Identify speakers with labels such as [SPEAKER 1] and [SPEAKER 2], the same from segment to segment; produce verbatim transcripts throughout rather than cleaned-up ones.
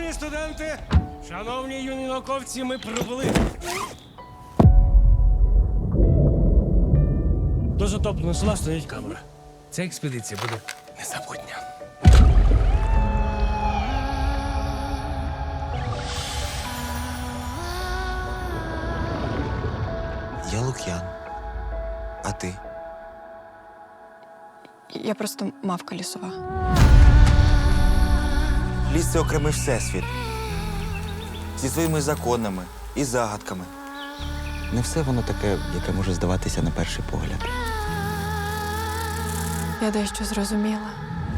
[SPEAKER 1] Шановні студенти, шановні юні науковці, ми прибули. До затопленого села стоїть камера. Ця експедиція буде незабутня.
[SPEAKER 2] Я Лук'ян. А ти?
[SPEAKER 3] Я просто мавка лісова.
[SPEAKER 2] Ліс — це окремий всесвіт. Зі своїми законами і загадками. Не все воно таке, яке може здаватися на перший погляд.
[SPEAKER 3] Я дещо зрозуміла.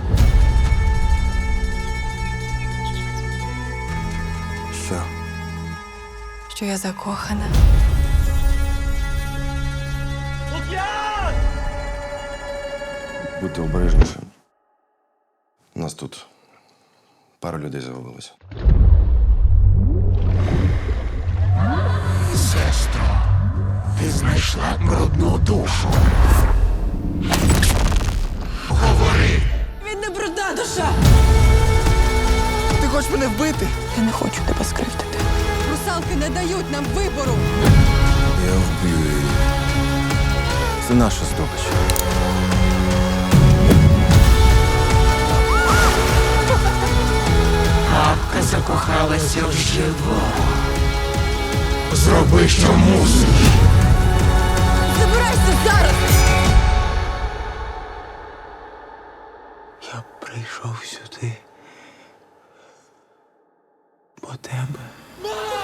[SPEAKER 2] Що?
[SPEAKER 3] Що я закохана.
[SPEAKER 4] Будьте обережніше. У нас тут пара людей загубилося.
[SPEAKER 5] Сестро, ти знайшла брудну душу. Говори.
[SPEAKER 3] Він не брудна душа!
[SPEAKER 2] Ти хочеш мене вбити?
[SPEAKER 3] Я не хочу тебе скривдити. Русалки не дають нам вибору.
[SPEAKER 2] Я вб'ю її. Це наша здобич.
[SPEAKER 5] Бабка закохалася в живого. Зроби, що мусиш.
[SPEAKER 3] Забирайся зараз!
[SPEAKER 2] Я прийшов сюди по тебе.